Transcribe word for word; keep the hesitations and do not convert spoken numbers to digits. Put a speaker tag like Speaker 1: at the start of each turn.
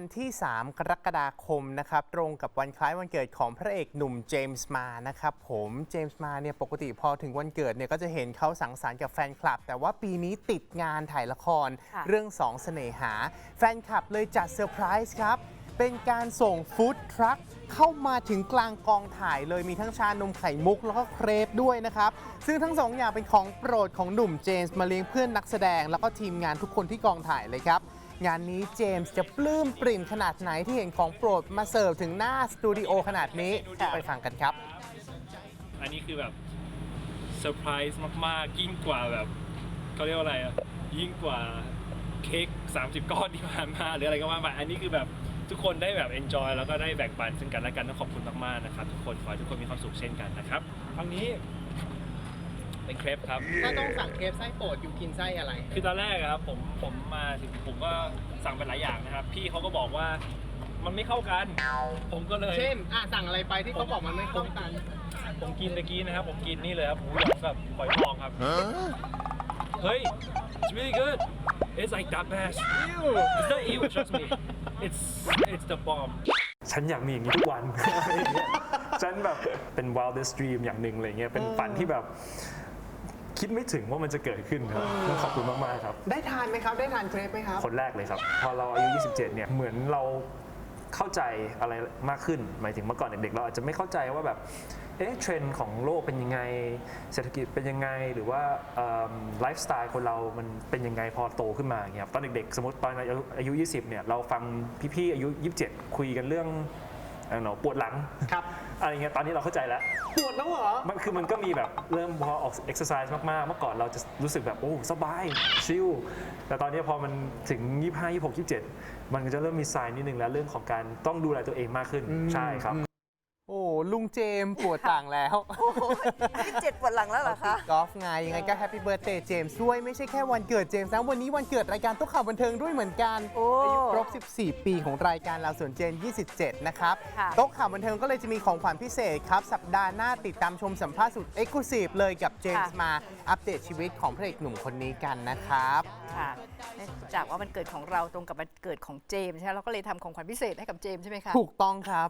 Speaker 1: ที่ สาม กรกฎาคมนะครับตรงกับวันคล้ายวันเกิดของพระเอกหนุ่มเจมส์มานะครับผมเจมส์มาเนี่ยปกติพอถึงวันเกิดเนี่ยก็จะเห็นเขาสังสรรค์กับแฟนคลับแต่ว่าปีนี้ติดงานถ่ายละครเรื่องสองเสน่หาแฟนคลับเลยจัดเซอร์ไพรส์ครับเป็นการส่งฟู้ดทรัคเข้ามาถึงกลางกองถ่ายเลยมีทั้งชานมไข่มุกแล้วก็เครปด้วยนะครับซึ่งทั้งสองอย่างเป็นของโปรดของหนุ่มเจมส์มาเลี้ยงเพื่อนนักแสดงแล้วก็ทีมงานทุกคนที่กองถ่ายเลยครับงานนี้เจมส์จะปลื้มปริ่มขนาดไหนที่เห็นของโปรดมาเสิร์ฟถึงหน้าสตูดิโอขนาดนี้ไปฟังกันครับ
Speaker 2: อันนี้คือแบบเซอร์ไพรส์มากๆยิ่งกว่าแบบเขาเรียกว่าอะไรอ่ะยิ่งกว่าเค้กสามสิบก้อนที่ผ่านมาหรืออะไรก็ว่าไปอันนี้คือแบบทุกคนได้แบบ enjoy แล้วก็ได้แบ่งปันซึ่งกันและกันต้องขอบคุณมากๆนะครับทุกคนขอให้ทุกคนมีความสุขเช่นกันนะครับครั้งนี้เป็นเครปครับ
Speaker 1: ถ้าต้องสั่งเครปไส้โปรดอยู่กินไส้อะไร
Speaker 2: คือตอนแรกครับผมผมมาถึงผมก็สั่งไปหลายอย่างนะครับพี่เขาก็บอกว่ามันไม่เข้ากันผมก็เลย
Speaker 1: เช่นอ่ะสั่งอะไรไปที่เขาบอกมันไม่เข้ากัน
Speaker 2: ผมกินตะกี้นะครับผมกินนี่เลยครับหมูหยองกับหอยทองครับเฮ้ย it's really good it's like that best it's not evil trust me it's it's the bomb
Speaker 3: ฉันอยากมีอย่างนี้ทุกวัน ฉันแบบเป็น wildest dream อย่างหนึ่งอะไรเงี้ยเป็นฝันที่แบบคิดไม่ถึงว่ามันจะเกิดขึ้นครับขอบคุณมากๆครับ
Speaker 1: ได้ทานไหมครับได้ทานเครปไหมครับ
Speaker 3: คนแรกเลยครับพอเราอายุยี่สิบเจ็ดเนี่ยเหมือนเราเข้าใจอะไรมากขึ้นหมายถึงเมื่อก่อนเด็กๆเราอาจจะไม่เข้าใจว่าแบบเอ๊ะเทรนด์ของโลกเป็นยังไงเศรษฐกิจเป็นยังไงหรือว่าไลฟ์สไตล์คนเรามันเป็นยังไงพอโตขึ้นมาอย่างเงี้ยตอนเด็กๆสมมติตอนอายุยี่สิบเนี่ยเราฟังพี่ๆอายุยี่สิบเจ็ดคุยกันเรื่องปวดหลัง
Speaker 1: ครับ
Speaker 3: อะไรเงี้ยตอนนี้เราเข้าใจแล้ว
Speaker 1: ปวดแล้วเหรอ
Speaker 3: มันคือมันก็มีแบบเริ่มพอออกเอ็กซ์ไซส์มากๆเมื่อก่อนเราจะรู้สึกแบบโอ้สบายชิลแต่ตอนนี้พอมันถึงยี่สิบห้า ยี่สิบหก ยี่สิบเจ็ดมันก็จะเริ่มมีไซน์นิดนึงแล้วเรื่องของการต้องดูแลตัวเองมากขึ้นใช่ครับ
Speaker 1: โอ้ลุงเจมปวดหลังแล้ว
Speaker 4: ยี่สิบเจ็ดปวดหลังแล้วเหรอคะ
Speaker 1: กอล์ฟไงยังไงก็แฮปปี้เบิร์ธเดย์เจมส์ด้วยไม่ใช่แค่วันเกิดเจมส์นะวันนี้วันเกิดรายการตุ๊กข่าวบันเทิงด้วยเหมือนกันอายุครบสิบสี่ปีของรายการเราส่วนเจนยี่สิบเจ็ดนะครับตุ๊กข่าวบันเทิงก็เลยจะมีของขวัญพิเศษครับสัปดาห์หน้าติดตามชมสัมภาษณ์สุดเอ็กซ์คลูซีฟเลยกับเจมส์มาอัปเดตชีวิตของพระเอกหนุ่มคนนี้กันนะครับ
Speaker 4: ค่ะจากว่าวันเกิดของเราตรงกับวันเกิดของเจมส์ใช่ไหมเราก็เลยทำของขวัญพิเศษให้กับเจมส์ใช่ไหมคะ
Speaker 1: ถูกต้องครับ